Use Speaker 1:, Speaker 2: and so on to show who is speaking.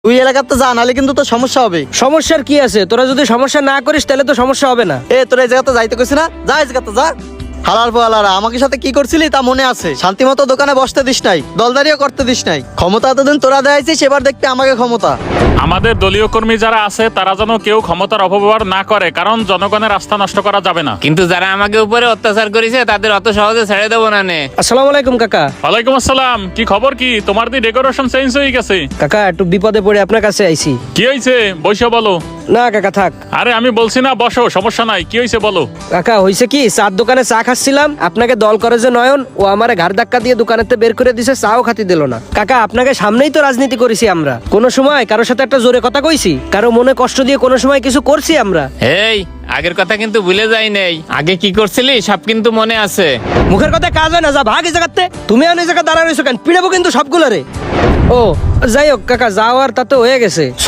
Speaker 1: তুই এলাকাতে যা, নাহলে কিন্তু তোর সমস্যা হবে।
Speaker 2: সমস্যার কি আছে? তোরা যদি সমস্যা না করিস তাহলে তো সমস্যা হবে না।
Speaker 1: তোর এই জায়গাতে যাইতে কইছি না, যা এই জায়গাতে যা। হালার পোহালারা, আমাকে সাথে কি করছিলি তা মনে আছে? শান্তি মতো দোকানে বসতে দিস নাই, দলদারিও করতে দিস নাই। ক্ষমতা এতদিন তোরা দেখাইছিস, এবার দেখতে আমাকে ক্ষমতা।
Speaker 3: আমাদের দলীয় কর্মী যারা আছে তারা যেন কেউ ক্ষমতার অপব্যবহার না করে, কারণ জনগণের আস্থা নষ্ট করা যাবে না।
Speaker 4: কিন্তু যারা আমাকে উপরে অত্যাচার করেছে তাদের অত সহজে ছেড়ে দেবো না নে।
Speaker 2: আসসালামু আলাইকুম কাকা।
Speaker 3: ওয়ালাইকুম আসসালাম। কি খবর? কি তোমার দি ডেকোরেশন চেঞ্জ হয়ে গেছে?
Speaker 2: কাকা একটু বিপদে পড়ে আপনার কাছে আইছি।
Speaker 3: কি হয়েছে? বসে বলো।
Speaker 2: না কাকা থাক।
Speaker 3: আরে আমি বলছি না বসো, সমস্যা নাই। কি হয়েছে বলো।
Speaker 2: কাকা হইছে কি, চার দোকানে চা খাচ্ছিলাম, আপনাকে দল করে যে নয়ন, ও আমারে ঘাড় ধাক্কা দিয়ে দোকানেতে বের করে দিছে, চাও খাতি দিল না। কাকা আপনাকে সামনেই তো রাজনীতি করেছি আমরা, কোনো সময় কারোর সাথে একটা জোরে কথা কইছি? কারো মনে কষ্ট দিয়ে কোনো সময় কিছু করছি আমরা?
Speaker 4: এই আগের কথা কিন্তু ভুলে যাই নাই, আগে কি করছিলি সব কিন্তু মনে আছে।
Speaker 2: মুখের কথা কাজ হয় না, যা ভাগ এই জায়গাতে। তুমি আর এই জায়গা দাঁড়া রয়েছো কেন? পিড়াবো কিন্তু সবগুলো রে। ও যাই হোক কাকা, যাও আর তাতে হয়ে গেছে।